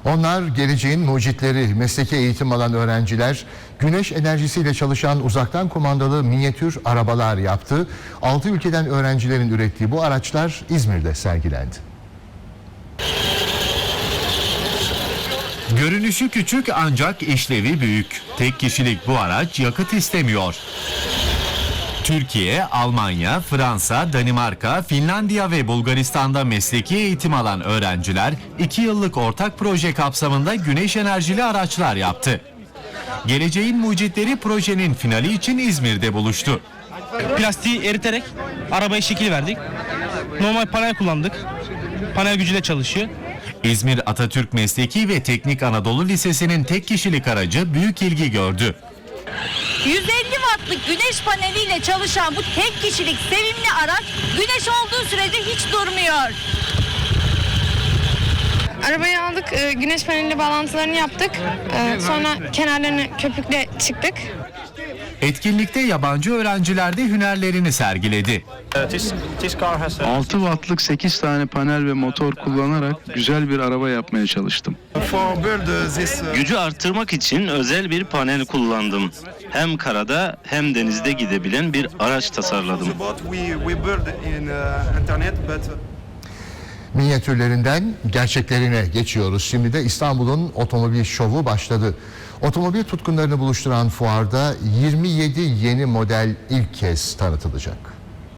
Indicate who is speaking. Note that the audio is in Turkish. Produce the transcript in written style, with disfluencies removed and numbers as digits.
Speaker 1: Onlar geleceğin mucitleri, mesleki eğitim alan öğrenciler, güneş enerjisiyle çalışan uzaktan kumandalı minyatür arabalar yaptı. 6 ülkeden öğrencilerin ürettiği bu araçlar İzmir'de sergilendi.
Speaker 2: Görünüşü küçük ancak işlevi büyük. Tek kişilik bu araç yakıt istemiyor. Türkiye, Almanya, Fransa, Danimarka, Finlandiya ve Bulgaristan'da mesleki eğitim alan öğrenciler 2 yıllık ortak proje kapsamında güneş enerjili araçlar yaptı. Geleceğin mucitleri projenin finali için İzmir'de buluştu.
Speaker 3: Plastiği eriterek arabaya şekil verdik. Normal panel kullandık. Panel gücüyle çalışıyor.
Speaker 2: İzmir Atatürk Mesleki ve Teknik Anadolu Lisesi'nin tek kişilik aracı büyük ilgi gördü.
Speaker 4: 150 wattlık güneş paneliyle çalışan bu tek kişilik sevimli araç güneş olduğu sürece hiç durmuyor.
Speaker 5: Arabayı aldık, güneş paneli bağlantılarını yaptık. Sonra kenarlarını köpükle çıktık.
Speaker 2: Etkinlikte yabancı öğrenciler de hünerlerini sergiledi.
Speaker 6: 6 wattlık 8 tane panel ve motor kullanarak güzel bir araba yapmaya çalıştım.
Speaker 7: Gücü arttırmak için özel bir panel kullandım. Hem karada hem denizde gidebilen bir araç tasarladım.
Speaker 1: Minyatürlerinden gerçeklerine geçiyoruz. Şimdi de İstanbul'un otomobil şovu başladı. Otomobil tutkunlarını buluşturan fuarda 27 yeni model ilk kez tanıtılacak.